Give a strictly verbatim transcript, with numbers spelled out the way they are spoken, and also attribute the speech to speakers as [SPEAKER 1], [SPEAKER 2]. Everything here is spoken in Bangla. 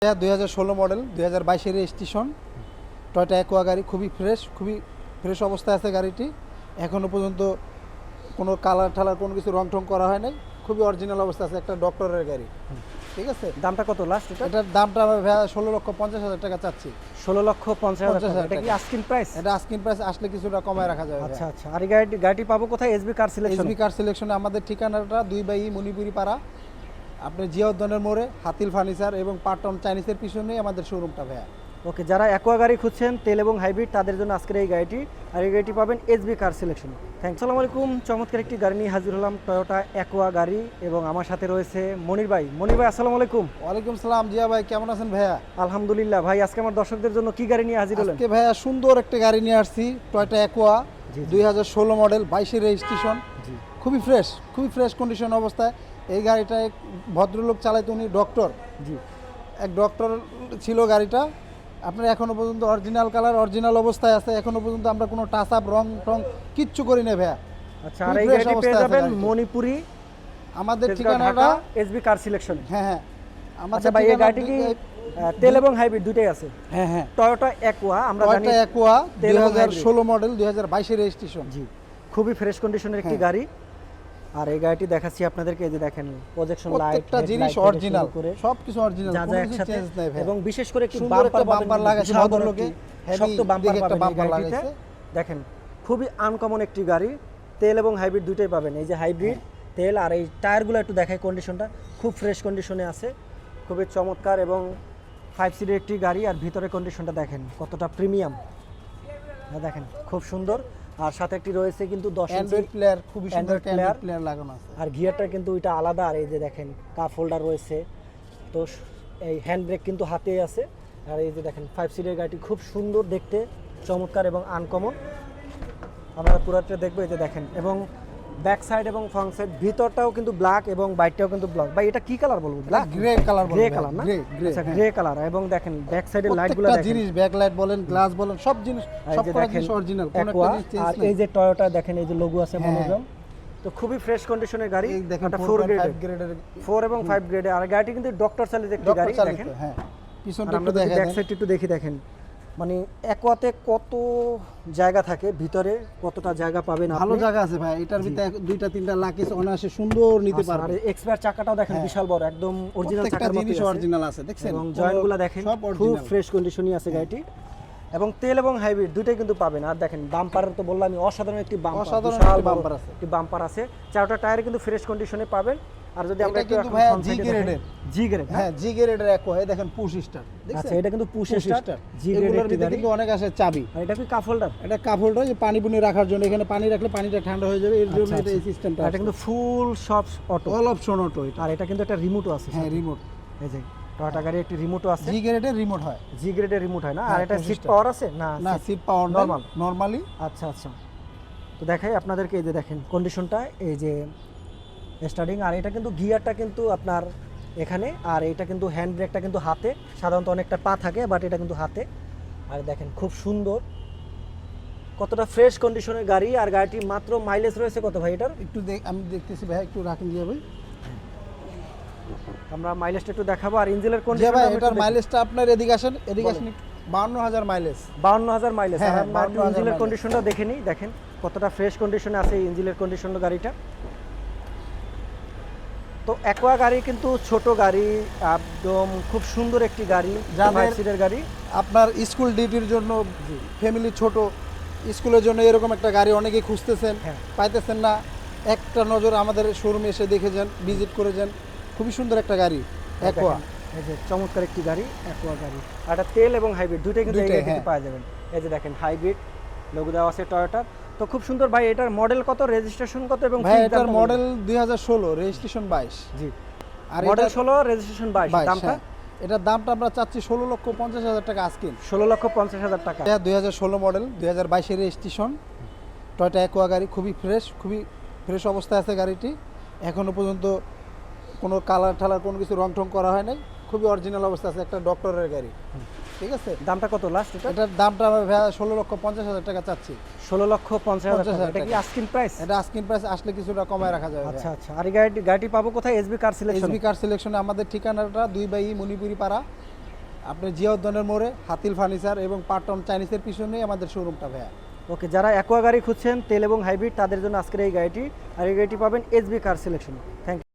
[SPEAKER 1] দুই হাজার ষোলো মডেল দুই হাজার বাইশের রেজিস্ট্রেশন টয়োটা অ্যাকোয়া গাড়ি, খুবই ফ্রেশ, খুবই ফ্রেশ অবস্থায় আছে গাড়িটি। এখনও পর্যন্ত কোনো কালার ঠালার কোনো কিছু রং টং করা হয় নাই, খুবই অরিজিনাল অবস্থা আছে, একটা ডক্টরের গাড়ি। ঠিক আছে,
[SPEAKER 2] দামটা কত লাস্ট? এটা
[SPEAKER 1] এটার দামটা আমরা ভাইয়া ষোলো লক্ষ পঞ্চাশ হাজার টাকা চাচ্ছি।
[SPEAKER 2] ষোলো লক্ষ পঞ্চাশ হাজার টাকা। এটা কি আস্কিং প্রাইস?
[SPEAKER 1] এটা আস্কিং প্রাইস, আসলে কিছুটা কমায় রাখা যাবে।
[SPEAKER 2] আচ্ছা আচ্ছা। আর এই গাড়ি গাড়িটি পাবো কোথায়? SB car selection.
[SPEAKER 1] SB car সিলেকশনে আমাদের ঠিকানাটা দুই বাই মণিপুরি পাড়া, আপনি জিয়াউদ্দৌনের মোড়ে, হাতিল ফার্নিচার এবং পাটন চাইনিজের পিছনেই আমাদের শোরুমটা ভাইয়া।
[SPEAKER 2] ওকে, যারা অ্যাকোয়া গাড়ি খুঁজছেন তেল এবং হাইব্রিড, তাদের জন্য আজকের এই গাড়িটি। আর এই গাড়িটি পাবেন এসবি কার সিলেকশন। থ্যাংকস। আসসালামু আলাইকুম। চমৎকার একটি গাড়ি নিয়ে হাজির হলাম, টয়োটা অ্যাকোয়া গাড়ি, এবং আমার সাথে রয়েছে মনির ভাই। মনির ভাই আসসালামু আলাইকুম।
[SPEAKER 1] ওয়ালাইকুম সালাম। জিয়া ভাই কেমন আছেন ভাইয়া?
[SPEAKER 2] আলহামদুলিল্লাহ ভাই। আজকে আমার দর্শকদের জন্য কি গাড়ি নিয়ে হাজির হলেন?
[SPEAKER 1] আজকে ভাইয়া সুন্দর একটা গাড়ি নিয়ে আসছি, টয়োটা অ্যাকোয়া দুই হাজার ষোলো মডেল, বাইশের রেজিস্ট্রেশন, খুবই ফ্রেশ, খুবই ফ্রেশ কন্ডিশন অবস্থায়। এই গাড়িটা এক ভদ্রলোক চালাইতো, উনি ডক্টর। জি, এক ডক্টর ছিল গাড়িটা। আপনার এখনো পর্যন্ত অরিজিনাল কালার, অরিজিনাল অবস্থায় আছে। এখনো পর্যন্ত আমরা কোনো টাচ আপ, রং টং কিচ্ছু করি না ভাইয়া।
[SPEAKER 2] আচ্ছা, আর এই গাড়িটি পেয়ে যাবেন মণিপুরি,
[SPEAKER 1] আমাদের ঠিকানাটা
[SPEAKER 2] এসবি কার সিলেকশন।
[SPEAKER 1] হ্যাঁ হ্যাঁ।
[SPEAKER 2] আমাদের ভাই এই গাড়িটি কি তেল এবং হাইব্রিড দুটেই আছে?
[SPEAKER 1] হ্যাঁ হ্যাঁ।
[SPEAKER 2] টয়োটা অ্যাকোয়া, আমরা জানি
[SPEAKER 1] টয়োটা অ্যাকোয়া দুই হাজার ষোলো মডেল, দুই হাজার বাইশের রেজিস্ট্রেশন।
[SPEAKER 2] জি, খুবই ফ্রেশ কন্ডিশনের একটি গাড়ি। আর এই গাড়িটি দেখাচ্ছি আপনাদেরকে, এই যে দেখেন প্রজেকশন লাইট,
[SPEAKER 1] প্রত্যেকটা জিনিস অরিজিনাল, সবকিছু অরিজিনাল, কোনো কিছু চেঞ্জ নাই ভাই।
[SPEAKER 2] এবং বিশেষ করে একটি
[SPEAKER 1] সুন্দর একটা বাম্পার লাগাইছে ভদ্রলোকে,
[SPEAKER 2] শক্ত বাম্পার পাবেন এই গাড়িতে। দেখেন খুবই আনকমন একটি গাড়ি, তেল এবং হাইব্রিড দুটোই পাবেন। এই যে হাইব্রিড তেল, আর এই টায়ারগুলো একটু দেখাই, কন্ডিশনটা খুব ফ্রেশ কন্ডিশনে আছে, খুবই চমৎকার এবং ফাইভ সিটের একটি গাড়ি। আর ভিতরে কন্ডিশনটা দেখেন কতটা প্রিমিয়াম, দেখেন খুব সুন্দর। আর সাথে একটি রয়েছে কিন্তু দশ ইঞ্চি
[SPEAKER 1] প্লেয়ার, খুবই সুন্দর প্লেয়ার প্লেয়ার লাগানো আছে।
[SPEAKER 2] আর গিয়ারটা কিন্তু এটা আলাদা। আর এই যে দেখেন কাপ হোল্ডার রয়েছে, তো এই হ্যান্ড ব্রেক কিন্তু হাতেই আছে। আর এই যে দেখেন ফাইভ সিটের গাড়িটি খুব সুন্দর দেখতে, চমৎকার এবং আনকমন। আমরা পুরাটা দেখবো। এই যে দেখেন, এবং ব্যাক সাইড এবং ফ্রন্ট সাইড, ভিতরটাও কিন্তু ব্ল্যাক এবং বাইকটাও কিন্তু ব্ল্যাক। ভাই এটা কি কালার বলবো? Black, grey colour, grey colour না? আচ্ছা, গ্রে কালার। এবং দেখেন ব্যাক সাইডের লাইটগুলো দেখেন,
[SPEAKER 1] জিনিস ব্যাক লাইট বলেন, গ্লাস বলেন, সব জিনিস সবকটা জিনিস অরিজিনাল, কোনো একটা জিনিস চেঞ্জ
[SPEAKER 2] আর
[SPEAKER 1] নেই।
[SPEAKER 2] এই যে টয়োটা দেখেন, এই যে লোগো আছে মনোগ্রাম, তো খুবই ফ্রেশ কন্ডিশনের গাড়ি।
[SPEAKER 1] এটা
[SPEAKER 2] ফোর গ্রেডের, ফোর এবং ফাইভ গ্রেডে। আর গাড়িটি কিন্তু ডক্টর চালিত একটি গাড়ি। দেখেন
[SPEAKER 1] হ্যাঁ, পিছনটা
[SPEAKER 2] একটু দেখেন, ব্যাক সাইডটা একটু দেখি। দেখেন মানে অ্যাকোয়াতে কত জায়গা থাকে, ভিতরে কতটা জায়গা পাবেন,
[SPEAKER 1] ভালো জায়গা আছে ভাই। এটার ভিতরে দুইটা তিনটা লাকিস অনায়াসে সুন্দর নিতে পারবে।
[SPEAKER 2] আর এক্সপায়ার চাকাটাও দেখেন বিশাল বড়, একদম অরিজিনাল চাকার মতো আছে,
[SPEAKER 1] অরিজিনাল আছে দেখছেন।
[SPEAKER 2] এবং জয়েন্টগুলো দেখেন খুব ফ্রেশ কন্ডিশনই আছে গাড়িটি। এবং তেল এবং হাইব্রিড দুটোই কিন্তু পাবেন। আর দেখেন বাম্পার তো বললাম আমি, অসাধারণ একটি বাম্পার,
[SPEAKER 1] অসাধারণ বাম্পার আছে,
[SPEAKER 2] একটি বাম্পার আছে। চারটা টায়ারে কিন্তু ফ্রেশ কন্ডিশনে পাবেন। আর যদি আমরা একটু
[SPEAKER 1] ভাই জি গ্রেডের,
[SPEAKER 2] জি গ্রেড,
[SPEAKER 1] হ্যাঁ জি গ্রেডের অ্যাকোয়া, এই দেখেন পুশ স্টার্ট দেখছেন।
[SPEAKER 2] আচ্ছা, এটা কিন্তু পুশ স্টার্ট জি
[SPEAKER 1] গ্রেডের ভিতরে কিন্তু অনেক আছে চাবি।
[SPEAKER 2] আর এটা কি কাপ হোল্ডার?
[SPEAKER 1] এটা কাপ হোল্ডার, যে পানি পুনি রাখার জন্য, এখানে পানি রাখলে পানিটা ঠান্ডা হয়ে যাবে, এর জন্য এটা এই সিস্টেমটা।
[SPEAKER 2] এটা কিন্তু ফুল সব অটো,
[SPEAKER 1] অল অপশন অটো এটা।
[SPEAKER 2] আর এটা কিন্তু একটা রিমোটও আছে।
[SPEAKER 1] হ্যাঁ, রিমোট।
[SPEAKER 2] এই যে টয়োটা গাড়ি একটি রিমোটও আছে।
[SPEAKER 1] জি গ্রেডের রিমোট হয়,
[SPEAKER 2] জি গ্রেডের রিমোট হয় না? আর এটা সিট পাওয়ার আছে না?
[SPEAKER 1] না, সিট পাওয়ার নরমাল, নরমালি।
[SPEAKER 2] আচ্ছা আচ্ছা, তো দেখাই আপনাদেরকে। এই যে দেখেন কন্ডিশনটা, এই যে স্টার্টিং। আর এটা কিন্তু গিয়ারটা কিন্তু আপনার এখানে, আর এটা কিন্তু হ্যান্ড ব্রেকটা কিন্তু হাতে, সাধারণত অনেকটা পা থাকে, বাট এটা কিন্তু হাতে। আর দেখেন খুব সুন্দর, কতটা ফ্রেশ কন্ডিশনের গাড়ি। আর গাড়িটি মাত্র মাইলেজ রয়েছে কত ভাই এটার?
[SPEAKER 1] একটু আমি দেখতেছি ভাই, একটু রাখেন দিয়ে ভাই,
[SPEAKER 2] আমরা মাইলেজটা একটু দেখাবো। আর ইঞ্জিনের কন্ডিশন,
[SPEAKER 1] ভাই এটার মাইলেজটা আপনার এদিকে আসেন, এদিকে আসেন, বাউন্ন হাজার মাইলেজ,
[SPEAKER 2] বাউন্ন হাজার মাইলেজ।
[SPEAKER 1] হ্যাঁ,
[SPEAKER 2] আর ইঞ্জিনের কন্ডিশনটা দেখে নিই, দেখেন কতটা ফ্রেশ কন্ডিশনে আছে এই ইঞ্জিনের কন্ডিশন গাড়িটা। তো অ্যাকোয়া গাড়ি কিন্তু ছোট গাড়ি, একদম খুব সুন্দর একটি গাড়ি, ফাইভ সিটের গাড়ি।
[SPEAKER 1] আপনার স্কুল ডিউটির জন্য, ফ্যামিলি ছোট, স্কুলের জন্য এরকম একটা গাড়ি অনেকেই খুঁজতেছেন, পাইতেছেন না, একটা নজর আমাদের শোরুমে এসে দেখে যান, ভিজিট করে যান। খুবই সুন্দর একটা গাড়ি অ্যাকোয়া,
[SPEAKER 2] এই যে চমৎকার একটি গাড়ি অ্যাকোয়া গাড়ি। আর এটা তেল এবং হাইব্রিড দুটোই কিন্তু এই গাড়িতে পাওয়া যাবেন। এই যে দেখেন হাইব্রিড লোগো দেওয়া আছে টয়োটার, তো খুব সুন্দর। ভাই এটার মডেল কত, রেজিস্ট্রেশন কত? এবং
[SPEAKER 1] ভাই এটার মডেল দুই হাজার ষোলো, রেজিস্ট্রেশন বাইশ।
[SPEAKER 2] জি, আর মডেল ষোলো, রেজিস্ট্রেশন বাইশ। দামটা?
[SPEAKER 1] এটার দামটা আমরা চাচ্ছি ষোলো লক্ষ পঞ্চাশ হাজার টাকা আজকিন।
[SPEAKER 2] ষোলো লক্ষ পঞ্চাশ হাজার টাকা।
[SPEAKER 1] দুই হাজার ষোলো মডেল, দুই হাজার বাইশের রেজিস্ট্রেশন, টয়োটা অ্যাকোয়া গাড়ি, খুবই ফ্রেশ, খুবই ফ্রেশ অবস্থায় আছে গাড়িটি। এখনো পর্যন্ত কোনো কালার ঠালার কোনো কিছু রং টং করা হয় নাই, খুবই অরিজিনাল অবস্থা আছে, একটা ডক্টরের গাড়ি। ঠিক আছে,
[SPEAKER 2] দামটা কত লাস্ট?
[SPEAKER 1] এটার দামটা আমরা ভাইয়া ষোলো লক্ষ পঞ্চাশ হাজার টাকা চাচ্ছি।
[SPEAKER 2] ষোলো লক্ষ পঞ্চাশ হাজার টাকা। এটা কি আস্কিং প্রাইস?
[SPEAKER 1] এটা আস্কিং প্রাইস, আসলে কিছুটা কমায় রাখা যাবে।
[SPEAKER 2] আচ্ছা আচ্ছা। আর এই গাড়ি গাড়িটি পাবো কোথায়? SB car selection.
[SPEAKER 1] SB car সিলেকশনে আমাদের ঠিকানাটা দুই বাই মণিপুরি পাড়া, আপনি জিয়াউদ্দনের মোড়ে হাতিল ফার্নিচার এবং পাটন চাইনিজের পিছনেই আমাদের শোরুমটা ভাইয়া।
[SPEAKER 2] ওকে, যারা অ্যাকোয়া গাড়ি খুঁজছেন তেল এবং হাইব্রিড তাদের জন্য আজকের এই গাড়িটি, আর এই গাড়িটি পাবেন SB car selection. Thank you.